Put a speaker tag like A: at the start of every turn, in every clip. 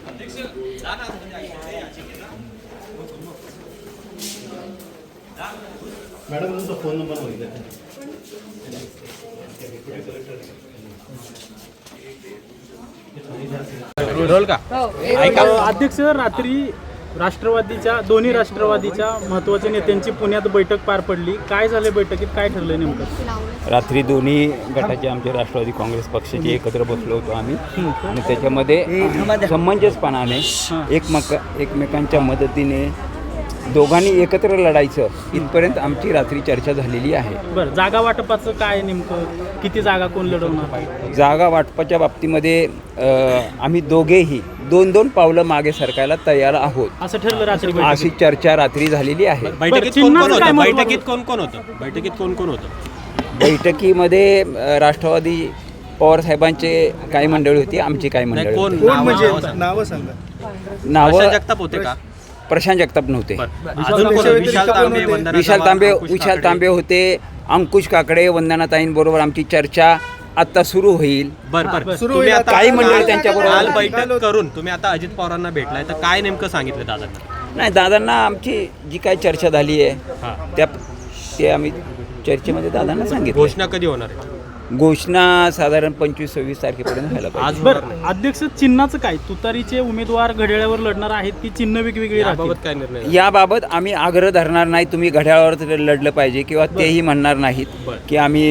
A: Madam तुमचा phone number मागितला
B: अध्यक्ष, रात्री दोन्ही राष्ट्रवादीच्या महत्त्वाच्या नेत्यांची पुण्यात बैठक पार पडली. काय झाले बैठकीत, काय ठरलं नेमकं?
C: रात्री दोन्ही गटाचे आमचे राष्ट्रवादी काँग्रेस पक्षाचे एकत्र बसलो होतो आम्ही आणि त्याच्यामध्ये समंजसपणाने एकमेकांच्या मदतीने दोघांनी एकत्र लढायचं इथपर्यंत आमची रात्री चर्चा झालेली आहे.
B: बरं, जागा वाटपाचं काय नेमकं, किती जागा कोण लढवणार?
C: जागा वाटपाच्या बाबतीमध्ये आम्ही दोघेही 2-2 पावलं मागे सरकायला तयार आहोत
B: असं ठरलं रात्री.
C: अशी चर्चा रात्री झालेली आहे.
B: बैठकीत
D: कोण कोण होतं?
C: बैठकीमध्ये राष्ट्रवादी पवार साहेबांचे काही मंडळी होती, आमची काही मंडळी होती.
A: नावं सांगा.
C: नावं
D: जगताप होते का?
C: प्रशांत जगताप नव्हते. विशाल तांबे होते, अंकुश काकडे, वंदनाताईंबरोबर आमची चर्चा आता सुरू होईल. काही मंडळी त्यांच्याबरोबर
D: बैठक करून तुम्ही आता अजित पवारांना भेटलाय, तर काय नेमकं सांगितलं दादांना?
C: नाही, दादांना आमची जी काय चर्चा झाली आहे ते आम्ही चर्चेमध्ये दादांना सांगितलं.
D: घोषणा कधी होणार आहे?
C: घोषणा साधारण 25-26 तारखेपर्यंत व्हायला पाहिजे.
B: बरं, अध्यक्ष, चिन्हाचं काय? तुतारीचे उमेदवार घड्याळावर लढणार आहेत की चिन्ह वेगवेगळी?
D: याबाबत काय निर्णय?
C: याबाबत आम्ही आग्रह धरणार नाही तुम्ही घड्याळावर लढलं पाहिजे किंवा तेही म्हणणार नाहीत की आम्ही.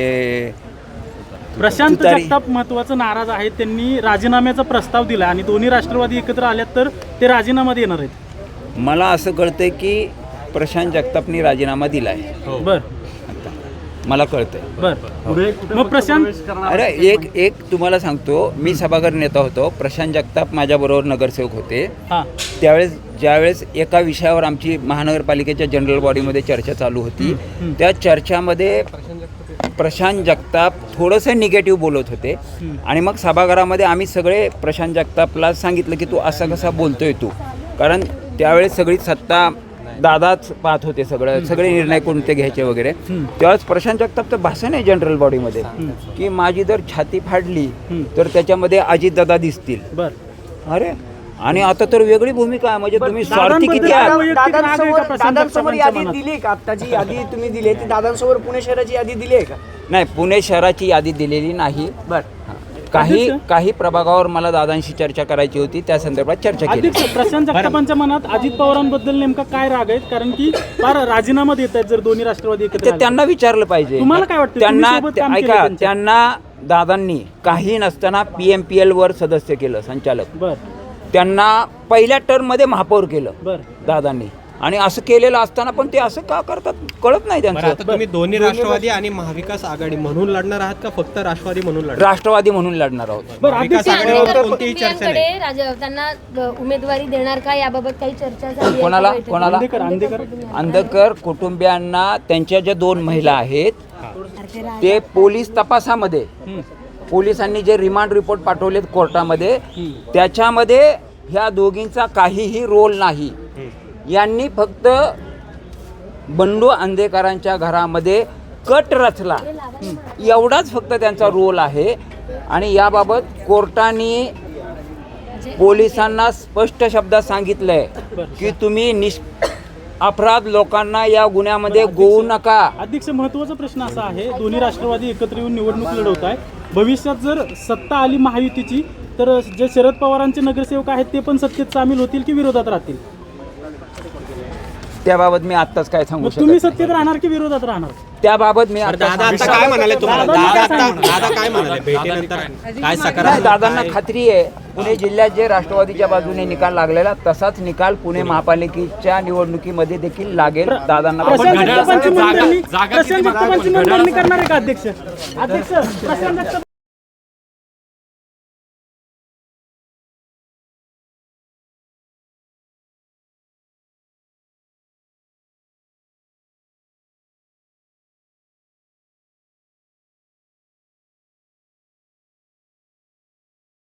B: प्रशांत जगताप महत्वाचं नाराज आहेत. त्यांनी राजीनाम्याचा प्रस्ताव दिला आणि दोन्ही राष्ट्रवादी एकत्र आल्यात तर ते राजीनामा देणार आहेत.
C: मला असं कळतंय की प्रशांत जगतापनी राजीनामा दिला आहे.
B: बरं,
C: मला कळतंय.
B: बरं, मग प्रशांत,
C: अरे एक तुम्हाला सांगतो, मी सभागृह नेता होतो. प्रशांत जगताप माझ्याबरोबर नगरसेवक होते. ज्यावेळेस एका विषयावर आमची महानगरपालिकेच्या जनरल बॉडीमध्ये चर्चा चालू होती, त्या चर्चामध्ये प्रशांत जगताप थोडंसं निगेटिव्ह बोलत होते आणि मग सभागृहामध्ये आम्ही सगळे प्रशांत जगतापला सांगितलं की तू असा कसा बोलतोय तू, कारण त्यावेळेस सगळी सत्ता दादाच पाहत होते, सगळे निर्णय कोणते घ्यायचे वगैरे. त्यावेळेस प्रशांत जगतापचं भाषण आहे जनरल बॉडीमध्ये की माझी जर छाती फाडली तर त्याच्यामध्ये अजितदादा दिसतील. अरे, आणि आता तर वेगळी भूमिका आहे. म्हणजे तुम्ही स्वार्थी किती आहात.
E: दादांसमोर यादी दिली का? आता जी यादी तुम्ही दिली ती दादांसमोर पुणे शहराची यादी दिली आहे का?
C: नाही, पुणे शहराची यादी दिलेली नाही. काही प्रभागावर मला दादांशी चर्चा करायची होती, त्या संदर्भात चर्चा केली.
B: प्रशांत जगतापांच्या मनात अजित पवारांबद्दल नेमका काय राग आहेत? कारण की फार राजीनामा देत आहेत जर दोन्ही राष्ट्रवादी एकत्र.
C: त्यांना विचारलं पाहिजे.
B: तुम्हाला काय वाटतं?
C: त्यांना दादांनी काही नसताना PMPL वर सदस्य केलं, संचालक. त्यांना पहिल्या टर्ममध्ये महापौर केलं दादांनी, आणि असं केलेलं असताना पण ते असं का करतात कळत नाही त्यांचं.
D: आता तुम्ही दोन्ही राष्ट्रवादी आणि महाविकास आघाडी म्हणून लढणार आहात का फक्त राष्ट्रवादी म्हणून लढणार?
C: राष्ट्रवादी म्हणून लढणार आहोत.
D: महाविकास आघाडीवर कोणतीही चर्चा नाही.
F: त्यांना उमेदवारी देणार का याबाबत काही चर्चा झाली?
C: कोणाला? अंधकर कुटुंबियांना त्यांच्या ज्या 2 महिला आहेत ते पोलीस तपासामध्ये, पोलिसांनी जे रिमांड रिपोर्ट पाठवलेत कोर्टामध्ये, त्याच्यामध्ये ह्या दोघींचा काहीही रोल नाही. यांनी फक्त बंडू अंधेकरांच्या घरामध्ये कट रचला, एवढाच फक्त त्यांचा रोल आहे. आणि याबाबत कोर्टाने पोलिसांना स्पष्ट शब्दात सांगितलंय की तुम्ही अपराध लोकांना या गुन्ह्यामध्ये गोवू नका.
B: अध्यक्ष, महत्वाचा प्रश्न असा आहे, दोन्ही राष्ट्रवादी एकत्र येऊन निवडणूक लढवत आहे. भविष्यात जर सत्ता आली महायुतीची तर जे शरद पवारांचे नगरसेवक आहेत ते पण सत्तेत सामील होतील की विरोधात राहतील?
C: त्याबाबत मी आत्ताच काय सांगू शकत.
B: तुम्ही सत्तेत राहणार की विरोधात राहणार?
C: त्याबाबत मी
D: दादा आता काय म्हणाले तुम्हाला? दादा काय म्हणाले भेटीनंतर? काय सकारात्मक?
C: दादांना खात्री आहे पुणे जिल्ह्यात जे राष्ट्रवादीच्या बाजूने निकाल लागलेला तसाच निकाल पुणे महापालिकेच्या निवडणुकीमध्ये देखील लागेल. दादांना
B: प्रशांत जगतापांची मनधरणी करणार आहे का अध्यक्ष?